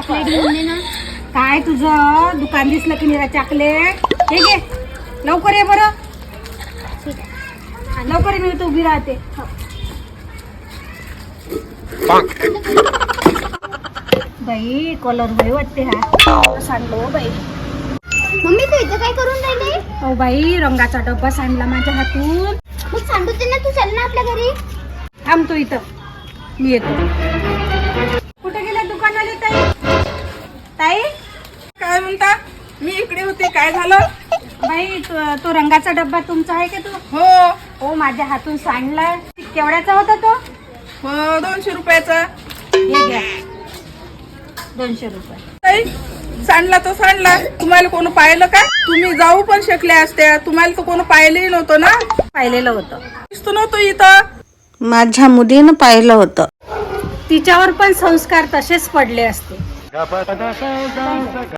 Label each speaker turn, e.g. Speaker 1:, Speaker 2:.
Speaker 1: Chocolate घेऊन दे ना. काय तुझं दुकान दिसलं की निरा चॉकलेट? हे घे लवकर ये बरं.
Speaker 2: ठीक आहे.
Speaker 1: लवकर ये, मी इथं उभी राहते. बाई कलर बाई वाटते हा सांडलो बाई.
Speaker 2: मम्मी तू इथं काय करून राहिली?
Speaker 1: हो बाई रंगाचा डब्बा सांडला माझ्या हातून.
Speaker 2: मग सांडू दे ना, तू चल ना आपल्या घरी.
Speaker 1: थांबतो इथं, मी येतो. कुठे गेल्या दुकानाला ताई? ताई
Speaker 3: काय म्हणता? मी इकडे होते, काय झालं?
Speaker 1: बाई तो रंगाचा डब्बा तुमचा आहे का? तो
Speaker 3: हो
Speaker 1: हो माझ्या हातून सांडलाय. केवढ्याचा होता तो?
Speaker 3: हो 200 रुपयाचा.
Speaker 1: हे घ्या 200 रुपये.
Speaker 3: ताई सांडला तो सांडला, तुम्हाला कोण पाहिलं का? तुम्ही जाऊ पण शकल्या असत्या, तुम्हाला तर कोण पाहिलंही नव्हतं ना.
Speaker 1: पाहिलेलं होतं.
Speaker 3: दिसतो नव्हतं इथं.
Speaker 4: माझ्या मुलीनं पाहिलं होतं.
Speaker 1: तिच्यावर पण संस्कार तसेच पडले असते.